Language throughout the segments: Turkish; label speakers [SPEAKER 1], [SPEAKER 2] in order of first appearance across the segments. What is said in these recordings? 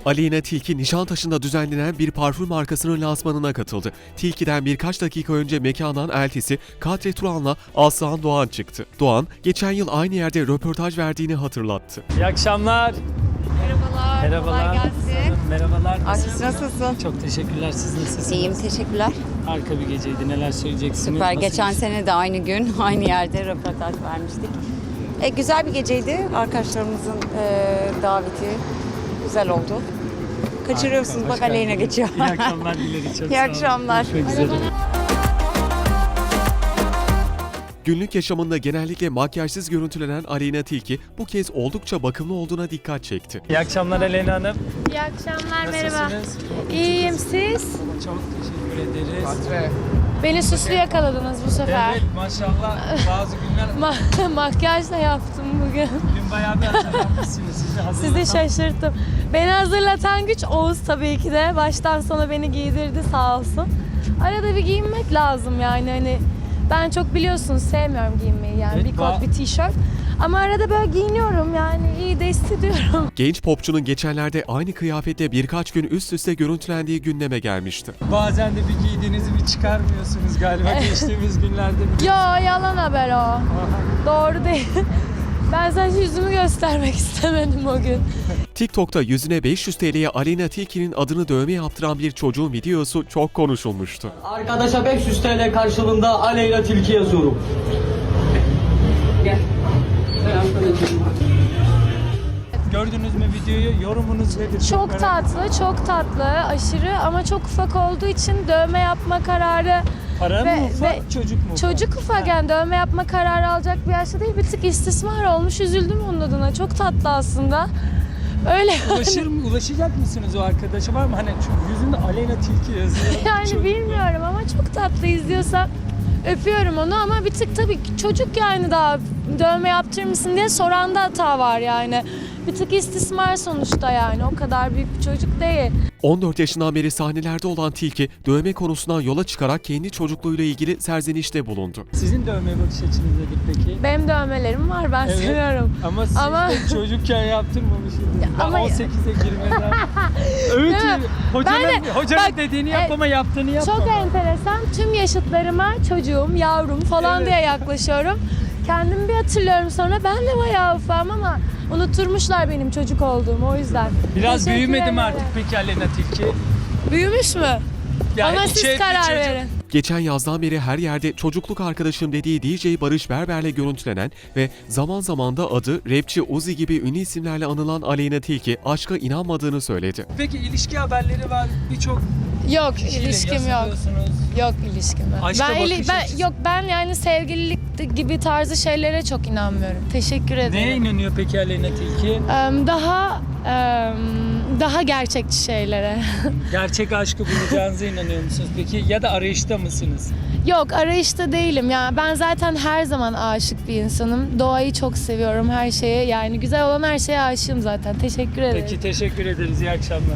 [SPEAKER 1] Aleyna Tilki, Nişantaşı'nda düzenlenen bir parfüm markasının lansmanına katıldı. Tilki'den birkaç dakika önce mekandan eltisi Kadri Turan'la Aslan Doğan çıktı. Doğan, geçen yıl aynı yerde röportaj verdiğini hatırlattı.
[SPEAKER 2] İyi akşamlar.
[SPEAKER 3] Merhabalar.
[SPEAKER 2] Merhabalar.
[SPEAKER 3] Kolay gelsin.
[SPEAKER 2] Merhabalar.
[SPEAKER 3] Nasılsın?
[SPEAKER 2] Çok teşekkürler. Siz nasılsınız?
[SPEAKER 3] İyiyim, teşekkürler.
[SPEAKER 2] Harika bir geceydi. Neler söyleyeceksiniz?
[SPEAKER 3] Süper.
[SPEAKER 2] Nasıl
[SPEAKER 3] Geçen
[SPEAKER 2] geçti?
[SPEAKER 3] sene de aynı gün, aynı yerde röportaj vermiştik. Güzel bir geceydi. Arkadaşlarımızın daveti güzel oldu. Kaçırıyorsunuz.
[SPEAKER 2] Harika,
[SPEAKER 3] Bak
[SPEAKER 2] hoş
[SPEAKER 3] Aleyna
[SPEAKER 2] geldiniz.
[SPEAKER 3] geçiyor.
[SPEAKER 2] İyi akşamlar dileriz. Çok
[SPEAKER 3] İyi
[SPEAKER 2] sağ olun.
[SPEAKER 3] akşamlar.
[SPEAKER 2] Görüşmek üzere.
[SPEAKER 1] Günlük yaşamında genellikle makyajsız görüntülenen Aleyna Tilki, bu kez oldukça bakımlı olduğuna dikkat çekti.
[SPEAKER 2] İyi akşamlar Aleyna Hanım.
[SPEAKER 4] İyi akşamlar, merhaba.
[SPEAKER 2] Nasılsınız?
[SPEAKER 4] İyiyim, siz?
[SPEAKER 2] Çok teşekkür ederiz.
[SPEAKER 4] Beni süslü yakaladınız bu sefer.
[SPEAKER 2] Evet maşallah bazı günler
[SPEAKER 4] Makyaj da yaptım bugün.
[SPEAKER 2] bugün bayağı bir hazırlanmışsınız.
[SPEAKER 4] Sizi şaşırttım. Beni hazırlatan güç Oğuz tabii ki de. Baştan sona beni giydirdi sağ olsun. Arada bir giyinmek lazım yani hani. Ben çok biliyorsunuz sevmiyorum giyinmeyi yani
[SPEAKER 2] Evet,
[SPEAKER 4] bir kot bir tişört. Ama arada böyle giyiniyorum yani iyi de hissediyorum.
[SPEAKER 1] Genç popçunun geçenlerde aynı kıyafetle birkaç gün üst üste görüntülendiği gündeme gelmişti.
[SPEAKER 2] Bazen de bir giydiğinizi bir çıkarmıyorsunuz galiba geçtiğimiz günlerde.
[SPEAKER 4] Yo yalan haber o. Doğru değil. Ben sadece yüzümü göstermek istemedim o gün.
[SPEAKER 1] TikTok'ta yüzüne 500 TL'ye Aleyna Tilki'nin adını dövme yaptıran bir çocuğun videosu çok konuşulmuştu.
[SPEAKER 5] Arkadaşa 500 TL karşılığında Aleyna Tilki yazıyorum. Gel.
[SPEAKER 2] Gördünüz mü videoyu? Yorumunuz nedir?
[SPEAKER 4] Çok
[SPEAKER 2] merak
[SPEAKER 4] tatlı, çok tatlı, aşırı ama çok ufak olduğu için dövme yapma kararı
[SPEAKER 2] Para
[SPEAKER 4] ve-
[SPEAKER 2] mı ufak,
[SPEAKER 4] ve
[SPEAKER 2] çocuk mu ufak?
[SPEAKER 4] çocuk ufak yani dövme yapma kararı alacak bir yaşta değil, bir tık istismar olmuş, üzüldüm onun adına. Çok tatlı aslında. Öyle
[SPEAKER 2] Ulaşacak mısınız o arkadaşa? Var mı? Hani çünkü yüzünde Aleyna Tilki yazıyor.
[SPEAKER 4] yani
[SPEAKER 2] Çok-
[SPEAKER 4] bilmiyorum ama çok tatlı izliyorsam öpüyorum onu ama bir tık tabii çocuk yani daha dövme yaptırır mısın diye soranda hata var yani. Bir tık istismar sonuçta yani o kadar büyük bir çocuk değil.
[SPEAKER 1] 14 yaşından beri sahnelerde olan Tilki, dövme konusundan yola çıkarak kendi çocukluğuyla ilgili serzenişte bulundu.
[SPEAKER 2] Sizin dövme bakış açınız nedir peki?
[SPEAKER 4] Benim dövmelerim var ben
[SPEAKER 2] Evet.
[SPEAKER 4] seviyorum.
[SPEAKER 2] Ama siz
[SPEAKER 4] Ama-
[SPEAKER 2] de çocukken yaptırmamışsınız. Daha
[SPEAKER 4] ama-
[SPEAKER 2] 18'e girmeden. Evet.
[SPEAKER 4] Değil mi?
[SPEAKER 2] Hocanın
[SPEAKER 4] bak,
[SPEAKER 2] dediğini yap ama yaptığını yapma.
[SPEAKER 4] Çok enteresan. Tüm yaşıtlarıma çocuğum, yavrum falan
[SPEAKER 2] Evet.
[SPEAKER 4] diye yaklaşıyorum. Kendimi bir hatırlıyorum sonra ben de bayağı ufam ama unutturmuşlar benim çocuk olduğumu o yüzden.
[SPEAKER 2] Biraz
[SPEAKER 4] Teşekkür
[SPEAKER 2] büyümedi mi
[SPEAKER 4] ederim.
[SPEAKER 2] artık peki Aleyna Tilki?
[SPEAKER 4] Büyümüş mü?
[SPEAKER 2] Yani
[SPEAKER 4] Ama siz
[SPEAKER 2] içe-
[SPEAKER 4] karar
[SPEAKER 2] içe-
[SPEAKER 4] verin.
[SPEAKER 1] Geçen yazdan beri her yerde çocukluk arkadaşım dediği DJ Barış Berber'le görüntülenen ve zaman zaman da adı rapçi Uzi gibi ünlü isimlerle anılan Aleyna Tilki, aşka inanmadığını söyledi.
[SPEAKER 2] Peki ilişki haberleri var birçok
[SPEAKER 4] Yok
[SPEAKER 2] kişiyle
[SPEAKER 4] ilişkim yok.
[SPEAKER 2] yazılıyorsunuz.
[SPEAKER 4] Yok ilişkim yok.
[SPEAKER 2] Aşka bakış
[SPEAKER 4] ben
[SPEAKER 2] açısı.
[SPEAKER 4] yok ben yani sevgililik gibi tarzı şeylere çok inanmıyorum. Teşekkür ederim.
[SPEAKER 2] Neye inanıyor peki Aleyna Tilki?
[SPEAKER 4] Daha gerçekçi şeylere.
[SPEAKER 2] Gerçek aşkı bulacağınıza inanıyor musunuz peki? Ya da arayışta mısınız?
[SPEAKER 4] Yok arayışta değilim ya. Ben zaten her zaman aşık bir insanım. Doğayı çok seviyorum her şeye. Yani güzel olan her şeye aşığım zaten. Teşekkür ederim.
[SPEAKER 2] Peki teşekkür ederiz. İyi akşamlar.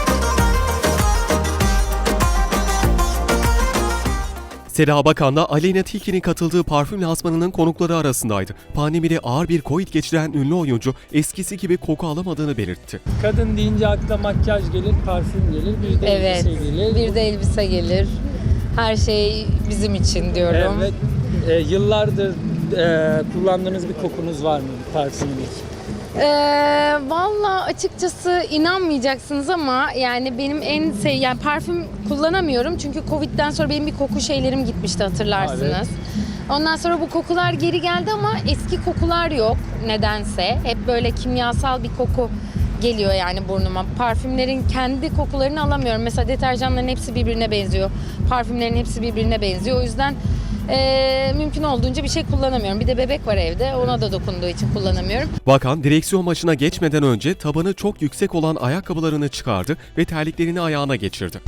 [SPEAKER 1] Seda Bakan da Aleyna Tilki'nin katıldığı parfüm lansmanının konukları arasındaydı. Pandemide ağır bir Covid geçiren ünlü oyuncu eskisi gibi koku alamadığını belirtti.
[SPEAKER 2] Kadın deyince akla makyaj gelir, parfüm gelir, bir de
[SPEAKER 6] Evet,
[SPEAKER 2] elbise gelir.
[SPEAKER 6] bir de elbise gelir. Her şey bizim için diyorum.
[SPEAKER 2] Evet. Yıllardır kullandığınız bir kokunuz var mı? Bir parfümünüz?
[SPEAKER 6] Valla açıkçası inanmayacaksınız ama yani benim yani parfüm kullanamıyorum çünkü Covid'den sonra benim bir koku şeylerim gitmişti hatırlarsınız.
[SPEAKER 2] Evet.
[SPEAKER 6] Ondan sonra bu kokular geri geldi ama eski kokular yok nedense. Hep böyle kimyasal bir koku geliyor yani burnuma. Parfümlerin kendi kokularını alamıyorum. Mesela deterjanların hepsi birbirine benziyor. Parfümlerin hepsi birbirine benziyor. O yüzden mümkün olduğunca bir şey kullanamıyorum. Bir de bebek var evde. Ona da dokunduğu için kullanamıyorum.
[SPEAKER 1] Bakan, direksiyon başına geçmeden önce tabanı çok yüksek olan ayakkabılarını çıkardı ve terliklerini ayağına geçirdi.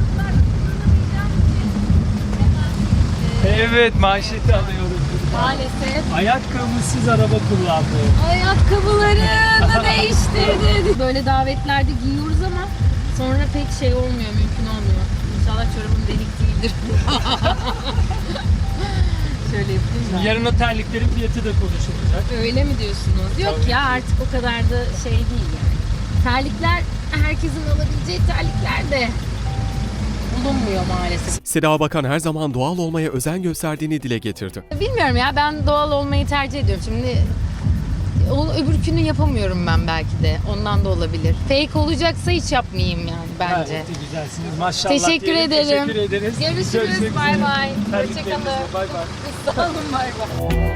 [SPEAKER 2] Evet, manşeti alıyoruz.
[SPEAKER 6] Maalesef.
[SPEAKER 2] Ayakkabısız araba kullandı.
[SPEAKER 6] Ayakkabılarını değiştirdi. Böyle davetlerde giyiyoruz ama sonra pek şey olmuyor, mümkün olmuyor. İnşallah çorabım delik değildir. Şöyle yapayım da.
[SPEAKER 2] Yarın o terliklerin fiyatı da konuşulacak.
[SPEAKER 6] Öyle mi diyorsunuz? Yok
[SPEAKER 2] Tabii
[SPEAKER 6] ya
[SPEAKER 2] ki.
[SPEAKER 6] artık o kadar da şey değil yani. terlikler herkesin alabileceği terlikler de bulunmuyor maalesef.
[SPEAKER 1] Seda Bakan her zaman doğal olmaya özen gösterdiğini dile getirdi.
[SPEAKER 6] Bilmiyorum ya, ben doğal olmayı tercih ediyorum. Şimdi öbürkünü yapamıyorum ben belki de. Ondan da olabilir. Fake olacaksa hiç yapmayayım yani bence.
[SPEAKER 2] Gayet de güzelsiniz. Maşallah.
[SPEAKER 6] Teşekkür
[SPEAKER 2] diyelim.
[SPEAKER 6] ederim.
[SPEAKER 2] Teşekkür ederiz.
[SPEAKER 6] Görüşürüz.
[SPEAKER 2] Görüşmek
[SPEAKER 6] Bay
[SPEAKER 2] üzere.
[SPEAKER 6] bay.
[SPEAKER 2] Terliklerinizle.
[SPEAKER 6] Hoşçakalın.
[SPEAKER 2] Bay bay.
[SPEAKER 6] Sağ olun. Bay bay.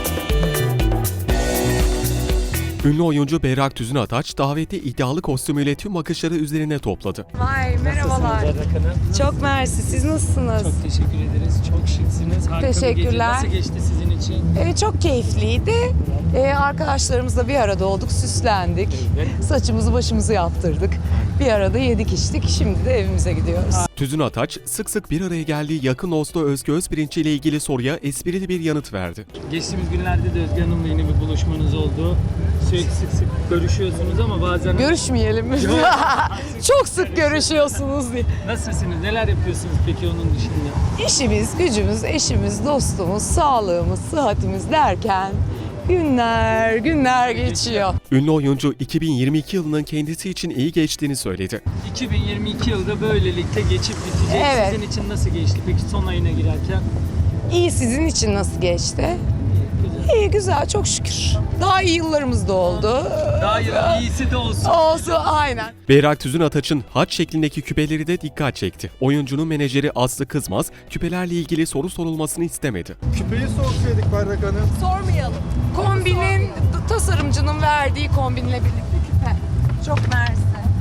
[SPEAKER 1] Ünlü oyuncu Berrak Tüzün Ataç davette iddialı kostümüyle tüm bakışları üzerine topladı.
[SPEAKER 7] Vay merhabalar.
[SPEAKER 2] Nasılsınız Berrak Hanım?
[SPEAKER 7] Çok mersi. Siz nasılsınız?
[SPEAKER 2] Çok teşekkür ederiz. Çok şıksınız. Harika bir gece.
[SPEAKER 7] Teşekkürler.
[SPEAKER 2] Nasıl geçti sizin için?
[SPEAKER 7] Çok keyifliydi. Arkadaşlarımızla bir arada olduk, süslendik.
[SPEAKER 2] Evet.
[SPEAKER 7] Saçımızı başımızı yaptırdık. Bir arada yedik içtik. Şimdi de evimize gidiyoruz.
[SPEAKER 1] Tüzün Ataç sık sık bir araya geldiği yakın dostu Özge Özpirinç ile ilgili soruya esprili bir yanıt verdi.
[SPEAKER 2] Geçtiğimiz günlerde de Özge Hanım'la yine bir buluşmanız oldu. Sürekli sık sık görüşüyorsunuz ama bazen...
[SPEAKER 7] Görüşmeyelim mi? Çok sık görüşüyorsunuz diye.
[SPEAKER 2] Nasılsınız? Neler yapıyorsunuz peki onun dışında?
[SPEAKER 7] İşimiz, gücümüz, eşimiz, dostumuz, sağlığımız, sıhhatimiz derken günler geçiyor.
[SPEAKER 1] Ünlü oyuncu 2022 yılının kendisi için iyi geçtiğini söyledi.
[SPEAKER 2] 2022 yılda böylelikle geçip bitecek.
[SPEAKER 7] Evet.
[SPEAKER 2] Sizin için nasıl geçti peki son ayına girerken?
[SPEAKER 7] İyi, sizin için nasıl geçti?
[SPEAKER 2] Güzel.
[SPEAKER 7] İyi, güzel, çok şükür. Daha iyi yıllarımız da oldu.
[SPEAKER 2] Daha iyisi de olsun.
[SPEAKER 7] Olsun, aynen.
[SPEAKER 1] Berrak Tüzün Ataç'ın haç şeklindeki küpeleri de dikkat çekti. Oyuncunun menajeri Aslı Kızmaz küpelerle ilgili soru sorulmasını istemedi.
[SPEAKER 8] Küpeyi sorsaydık Berrak Hanım.
[SPEAKER 7] Sormayalım. Kombinin, tasarımcının verdiği kombinle birlikte küpe. Çok mersi.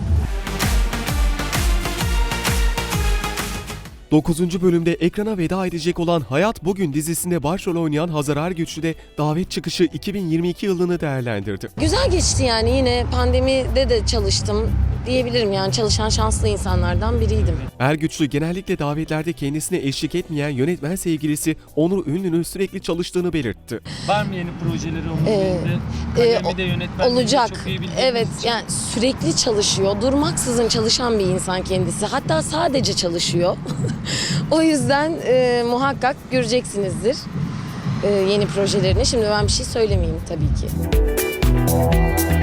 [SPEAKER 1] 9. bölümde ekrana veda edecek olan Hayat Bugün dizisinde başrol oynayan Hazar Ergüçlü de davet çıkışı 2022 yılını değerlendirdi.
[SPEAKER 9] Güzel geçti yani, yine pandemide de çalıştım diyebilirim, yani çalışan şanslı insanlardan biriydim.
[SPEAKER 1] Ergüçlü genellikle davetlerde kendisine eşlik etmeyen yönetmen sevgilisi Onur Ünlü'nün sürekli çalıştığını belirtti.
[SPEAKER 2] Var mı yeni projeleri onun elinde? Kalemi de yönetmenliği de
[SPEAKER 9] Olacak.
[SPEAKER 2] çok iyi bildiğiniz
[SPEAKER 9] Evet,
[SPEAKER 2] için.
[SPEAKER 9] yani sürekli çalışıyor, durmaksızın çalışan bir insan kendisi. Hatta sadece çalışıyor. O yüzden muhakkak göreceksinizdir yeni projelerini. Şimdi ben bir şey söylemeyeyim tabii ki.